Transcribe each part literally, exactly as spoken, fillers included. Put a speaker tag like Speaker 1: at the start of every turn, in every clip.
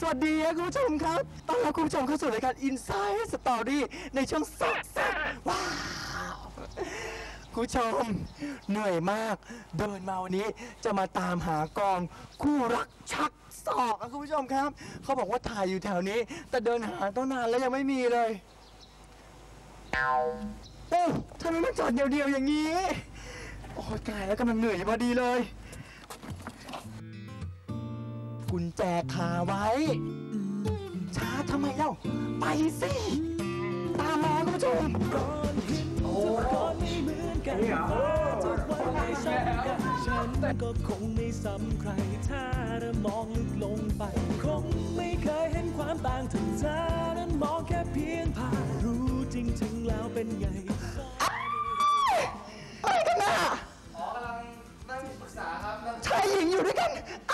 Speaker 1: วัสดีคุณผู้ชมครับต้อนรับคุณผู้ชมเข้าสู่รายการ Inside Story ในช่วงสดแซ่บว้าวคุณผู้ชมเหนื่อยมากเดินมาวันนี้จะมาตามหากองคู่รักชักศอกคุณผู้ชมครับเขาบอกว่าถ่ายอยู่แถวนี้แต่เดินหาตั้งนานแล้วยังไม่มีเลยโอ้ทำไมมันจอดเดียวๆอย่างนี้โอ้ตายแล้วกำลังเหนื่อยพอดีเลยกุญแจคาไว้ช้าทำไมเล่าไปสิตามมาคุณผู้ชมโอ้นี่เหรอฉันก็คงไม่ซ้ำใครถ้าเธอมองลึกลงไปคงไม่เคยเห็นความต่างถึงเธอนั้นมองแค่เพียงผ่านรู้จริงๆแล้วเป็นไงอะไรกันน่ะอ๋อกำลังนั่งปรึกษาครับชายหญิงอยู่ด้วยกัน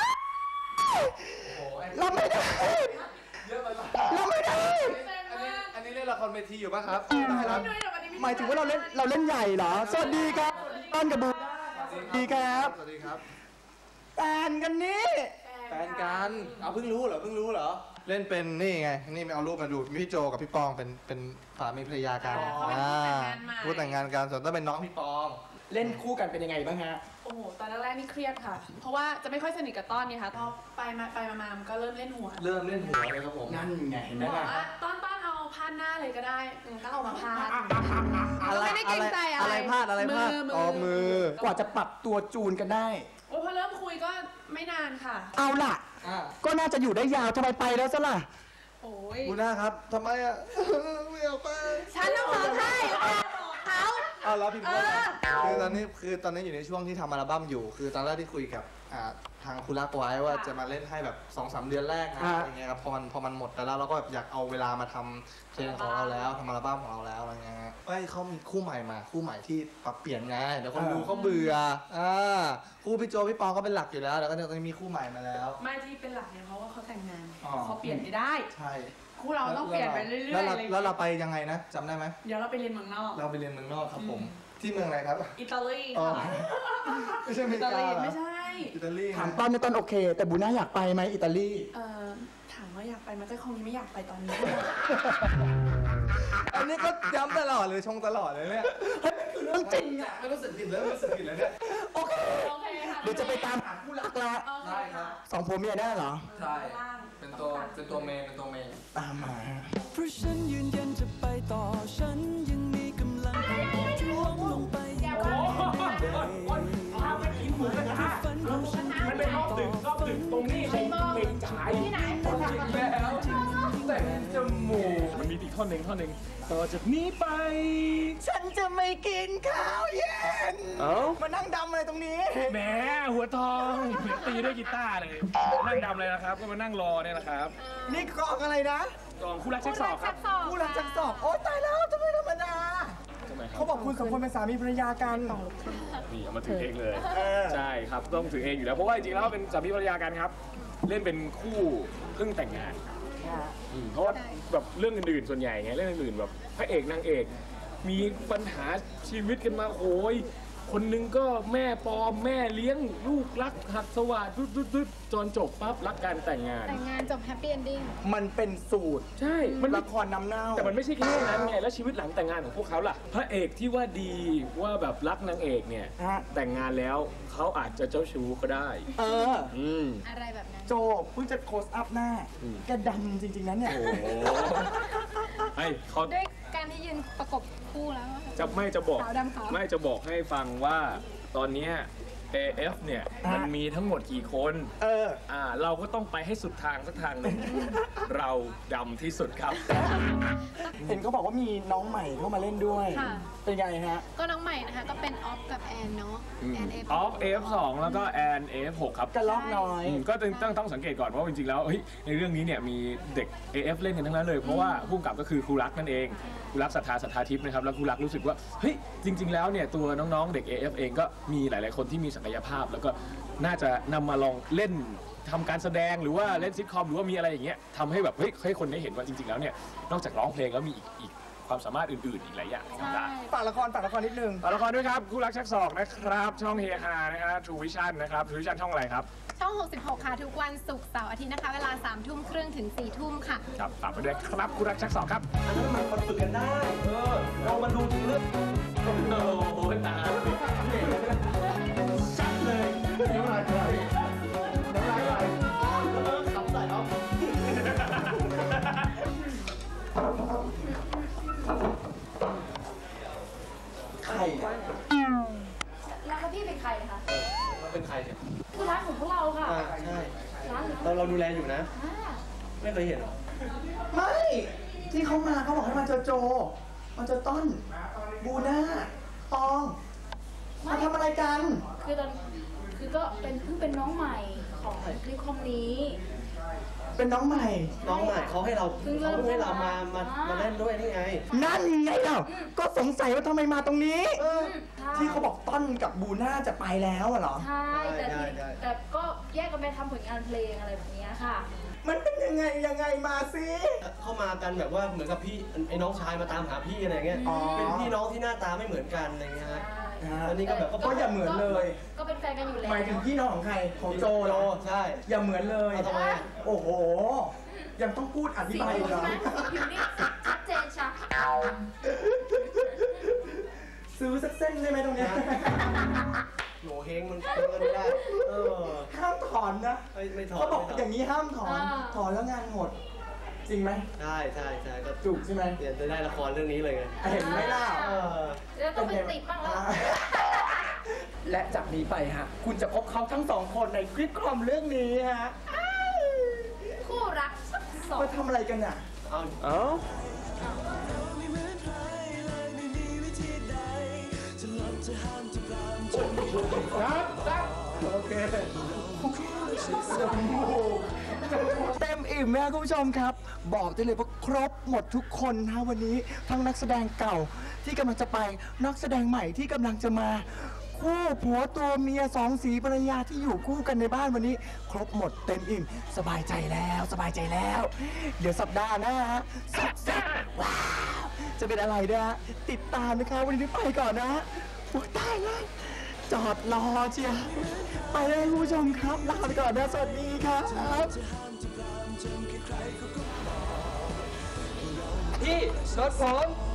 Speaker 1: เราไม่ได้เยอะไปเราไม่ได้
Speaker 2: อันนี้เล่นละครเวทีอยู่ป่ะครับ
Speaker 1: หมายถึงว่าเราเล่นเราเล่นใหญ่เหรอสวัสดีครับต้นกับบูสวัสดีครับ
Speaker 2: สวัสดีครับ
Speaker 1: แฟนกันนี่
Speaker 2: แฟนกันเอาเพิ่งรู้เหรอเพิ่งรู้เหรอเล่นเป็นนี่ไงนี่เอารูปมาดูพี่โจกับพี่ปองเป็นเป็นสามีภรรยากันพูดแต่งงานกันส่วนต้องเป็นน้องพี่ปอง
Speaker 1: เล่นคู่กันเป็นยังไงบ้างฮะ
Speaker 3: โอ้โหตอนแรกๆนี่เครียดค่ะเพราะว่าจะไม่ค่อยสนิทกับต้อนนี่ค่ะพอไปมาไปมามันก็เริ่มเล่นหัว
Speaker 2: เริ่มเล่นหัวเลยครับผม
Speaker 1: นั่นไงเห็นไหม
Speaker 3: ล่ะต้อนต้อนเอาพาดหน้าเลยก็ได้ก็เอามาพาดไม่ได้เกรงใจอะไร
Speaker 2: อะไรพาดอะไรพาดอ๋อมื
Speaker 1: อกว่าจะปรับตัวจูนกันได้
Speaker 3: โอ้พอเริ่มคุยก็ไม่นานค่ะ
Speaker 1: เอาล่ะก็น่าจะอยู่ได้ยาวทำไมไปแล้วซะล่ะ
Speaker 3: โอ้ย
Speaker 2: คุณน้าครับทำไมอ่ะไม่เอาไป
Speaker 3: ฉันต้องขอให้เขา
Speaker 2: เอาแล้วพี่พูดคือตอนนี้คือตอนนี้อยู่ในช่วงที่ทำอัลบั้มอยู่คือตอนแรกที่คุยกับทางคุณรักไว้ว่าจะมาเล่นให้แบบ สองสาม เดือนแรกนะอย่างเงี้ยครับพอมันพอมันหมดไปแล้วเราก็แบบอยากเอาเวลามาทำเพลงของเราแล้วทำอัลบั้มของเราแล้วอะไรเงี้ยไอ้เขามีคู่ใหม่มาคู่ใหม่ที่ปรับเปลี่ยนไงเดี๋ยวคนดูเขาเบื่ออ่าคู่พี่โจพี่ปองก็เป็นหลักอยู่แล้วแล้วก็จะมีคู่ใหม่มาแล้ว
Speaker 3: ไม่ที่เป็นหลักเนี่ยเพราะว่าเขาแต่งงานเขาเปลี่ยนไม่ได้
Speaker 2: ใช่
Speaker 3: คู่เราต้องเปลี่ยนไปเรื่อยๆเลย
Speaker 2: แล้วเราไปยังไงนะจำได้ไหม
Speaker 3: เดี๋ยวเราไปเรียนเมืองนอก
Speaker 2: เราไปเรียนเมืองนอกครับผมที่เมืองอะไรครับ
Speaker 3: อิตาลี
Speaker 2: ไม่ใช่อเมริกา
Speaker 3: ไม่ใช่
Speaker 2: อิตาลี
Speaker 1: ถามต้นในต้นโอเคแต่บูน่าอยากไปไหมอิตาลี
Speaker 3: เออถามว่าอยากไปมันก็คงไม่อยากไปตอนนี้
Speaker 2: อันนี้ก็ย้ำตลอดเลยชงตลอดเลยเนี่ย
Speaker 1: เรื่องจริงอ่ะ
Speaker 2: ไม่รู้สึกผิดเลยไม่รู้สึกผิดเลยเนี่ย
Speaker 1: โอเคเดี๋ยวจะไปตามหาคู่รักละ
Speaker 2: ใช่ครับ
Speaker 1: สองผัวเมียได้เหรอ
Speaker 2: ใช่เป็นตัวเป็นตัวเมย์เป็นตัวเมย์
Speaker 1: ตามมา
Speaker 4: เพราะฉันยืนยันจะไปต่อฉันยังมีกำลังท่วงลงไปยังคงเดิน
Speaker 5: มันเป็นรอบดึกรอบดึกตรงนี้เป็นเมงจ่ายที่ไหนแล้วแต่จมูกมันมีอีกท่อนหนึ่งท่อนหนึ่งต่อจากนี้ไป
Speaker 1: ฉันจะไม่กินข้าวเย็น
Speaker 5: เอ้า
Speaker 1: มานั่งดำอะไรตรงนี้
Speaker 5: แหมหัวทองตีด้วยกีตาร์เลยนั่งดำเลยนะครับก็มานั่งรอเนี่ยนะครับ
Speaker 1: นี่กองอะไรนะ
Speaker 5: กองคู่รักชักศอกครับ
Speaker 1: คู่รักชักศอกโอ๊ยตายแล้วทำไมธรรมดาเขาบอกคุณสองคนเป็นสามีภรรยากัน
Speaker 5: นี่เอามาถือเองเลยใช่ครับต้องถือเองอยู่แล้วเพราะว่าจริงๆแล้วเป็นสามีภรรยากันครับเล่นเป็นคู่เพิ่งแต่งงานเพราะว่าแบบเรื่องอื่นๆส่วนใหญ่ไงเรื่องอื่นๆแบบพระเอกนางเอกมีปัญหาชีวิตกันมาโอ้ยคนนึงก็แม่ปลอมแม่เลี้ยงลูกรักหักสวัสดิ์ดุดๆๆจนจบปั๊บรักกันแต่งงาน
Speaker 3: แต่งงานจบแฮปปี้เอนดิ้ง
Speaker 1: มันเป็นสูตร
Speaker 5: ใช่
Speaker 1: มันละครน้ำเน่า
Speaker 5: แต่มันไม่ใช่แค่นั้นไงแล้วชีวิตหลังแต่งงานของพวกเขาล่ะพระเอกที่ว่าดีว่าแบบรักนางเอกเนี่ยแต่งงานแล้วเขาอาจจะเจ้าชู้ก็ได้
Speaker 1: เออ
Speaker 5: อืม
Speaker 3: อะไรแบบนั้น
Speaker 1: โจเพิ่งจะโคสอัพหน้าแกดำจริงๆนั้นเนี่ย
Speaker 5: ไอ้เขา
Speaker 3: ด้วยการที่ยืนประกบคู่แล้ว
Speaker 5: จะไม่จะบอกไม่จะบอกให้ฟังว่าตอนนี้ เอ เอฟ เนี่ยมันมีทั้งหมดกี่คน
Speaker 1: เออ
Speaker 5: อ่าเราก็ต้องไปให้สุดทางสักทางหนึ่งเราดำที่สุดครับ
Speaker 1: เห็นเขาบอกว่ามีน้องใหม่เข้ามาเล่นด้วยเป็นไงฮะ
Speaker 3: ก็น้องใหม่นะคะก็เป็นออฟกับแอนเนาะ
Speaker 5: แอนเอฟออฟ เอ เอฟ สองแล้วก็แอน เอ เอฟ หกครับ
Speaker 1: กระลอกน้อย
Speaker 5: ก็ต้องต้องสังเกตก่อนว่าจริงๆแล้วเฮ้ยในเรื่องนี้เนี่ยมีเด็ก เอ เอฟ เล่นกันทั้งนั้นเลยเพราะว่าผู้กำกับก็คือครูรักนั่นเองครูรักศรัทธาศรัทธาทิพย์นะครับแล้วครูรักรู้สึกว่าเฮ้ยจริงๆแล้วเนี่ยตัวน้องๆเด็ก เอ เอฟ เองก็มีหลายๆคนที่มีศักยภาพแล้วก็น่าจะนำมาลองเล่นทำการแสดงหรือว่าเล่นซิทคอมหรือว่ามีอะไรอย่างเงี้ยทำให้แบบเฮ้ยให้คนได้เห็นว่าจริงๆแล้วเนี่ยนอกจากร้องเพลงแล้วมีอีกอีกคความสามารถอื่นๆอีกหลายอย่างทำได้
Speaker 1: ฝากละครฝากละครนิดนึง
Speaker 5: ฝากละครด้วยครับคู่รักชักศอกนะครับ ช่องเฮฮานะครับ True Vision นะครับ True Vision ช่องอะไรครับ
Speaker 6: ช่อง หกสิบหก ค่ะ ทุกวันศุกร์เสาร์อาทิตย์นะคะ เวลา สามทุ่มครึ่งถึง สี่ทุ่มค่ะ
Speaker 5: ครับฝากไปด้วยครับคู่รักชักศอกครับ
Speaker 7: อันนั้นมันคนฝึกกันได้ เออเรามาดูถึงเรื่องโอ้โหตาชัดเลยน้ำลายไหลน้ำลายไหลขับใส่เอา
Speaker 1: ใครเนี่ย
Speaker 6: แล้วพี่เป็นใครคะ
Speaker 7: มันเป็นใครเนี่ย
Speaker 6: คือร้านของพวกเราค่ะ
Speaker 7: อ่าใช่
Speaker 6: ร้าน
Speaker 7: เราเราดูแลอยู่นะ
Speaker 6: อ่า
Speaker 7: ไม่เคยเห็นหรอ
Speaker 1: ไม่ ที่เขามาเขาบอกให้มาเจอโจมาเจอต้น บูน่าตอง มาทำอะไรกัน
Speaker 8: คือตอนคือก็เป็นเพิ่งเป็นน้องใหม่ของคลิปคอมนี้
Speaker 1: เป็นน้องใหม่
Speaker 7: น้องใหม่เขาให้เรา
Speaker 8: เพิ่ง
Speaker 7: เขา
Speaker 8: เริ่ม
Speaker 7: เพิ่งให้เรามา มา
Speaker 8: อ่าม
Speaker 7: มาเล่นด้วยนี่ไง
Speaker 1: นั่นไงเล่าก็สงสัยว่าทำไมมาตรงนี้
Speaker 8: ใช่
Speaker 1: ที่เขาบอกต้นกับบูน่าจะไปแล้วอะเหรอ
Speaker 8: ใช่แต่
Speaker 7: ได้
Speaker 8: ที
Speaker 7: ได้
Speaker 8: แต่ก็แยกกันไปทำผลงานเพลงอะไรแบบเนี้ยค่ะ
Speaker 1: มันเป็นยังไงยังไงมาสิ
Speaker 7: เข้ามากันแบบว่าเหมือนกับพี่ไอ้น้องชายมาตามหาพี่อะไรเงี้ย
Speaker 1: อ๋อ
Speaker 7: เป็นพี่น้องที่หน้าตาไม่เหมือนกันอะไรเงี้ยฮะ อันนี้ก็แบบ
Speaker 1: ก็อย่าเหมือนเลย
Speaker 8: ก็เป็นแฟนกันอยู่แล้ว
Speaker 1: หมายถึงพี่น้องของใคร ของโจเหรอ
Speaker 7: ใช่
Speaker 1: อย่าเหมือนเลย
Speaker 7: เอาทำไมอะ
Speaker 1: โอ้โห ยังต้องพูดอธิ
Speaker 8: สี
Speaker 1: บาย
Speaker 8: ผิ
Speaker 1: อี
Speaker 8: ว
Speaker 1: กเหรอ
Speaker 8: ใช่ไหมสีผิวนี่ชัดเจนชัด
Speaker 1: ซื้อสักเส้นได้ไหมตรงเนี้ย
Speaker 7: โหเฮงมันเฮงกันไม่ได้ เออ
Speaker 1: ห้ามถอนนะ
Speaker 7: ไม่ไม่ถอด
Speaker 1: เขาบอก
Speaker 7: ไม่ถ
Speaker 1: อย่างนี้ห้ามถอน ถอนแล้วงานหด จริงไหม
Speaker 7: ใช่ใช่ใช่ก็
Speaker 1: จุกใช่ไหม
Speaker 7: เดี๋ยวจะได้ละครเรื่องนี้เลยไง
Speaker 1: เห็นไหมล่ะ
Speaker 7: เออ
Speaker 8: แล้วต้องเป็นติดบ้างแล้ว
Speaker 1: และจากนี้ไปฮะ คุณจะพบเขาทั้งสองคนในคลิปคอมเรื่องนี้ฮะ
Speaker 8: คู่รักชักศอก
Speaker 1: มาทำอะไรกันอ่ะ
Speaker 7: เอา
Speaker 1: เอ้า
Speaker 7: ครับครับโอเค
Speaker 1: เต็มอิ่มนะคุณผู้ชมครับ บอกได้เลยว่าครบหมดทุกคนนะวันนี้ทั้งนักแสดงเก่าที่กำลังจะไปนักแสดงใหม่ที่กำลังจะมา คู่ผัวตัวเมียสองสีภรรยาที่อยู่คู่กันในบ้านวันนี้ ครบหมดเต็มอิ่ม สบายใจแล้วสบายใจแล้ว เดี๋ยวสัปดาห์หน้าฮะสักสักว้าวจะเป็นอะไรนะฮะติดตามนะคะวันนี้ไปก่อนนะโอ้ยตายแล้วจอดรอเชียร์ไปเลยคุณผู้ชมครับลาไปก่อนนะสวัสดีครับ
Speaker 7: พี่รถผม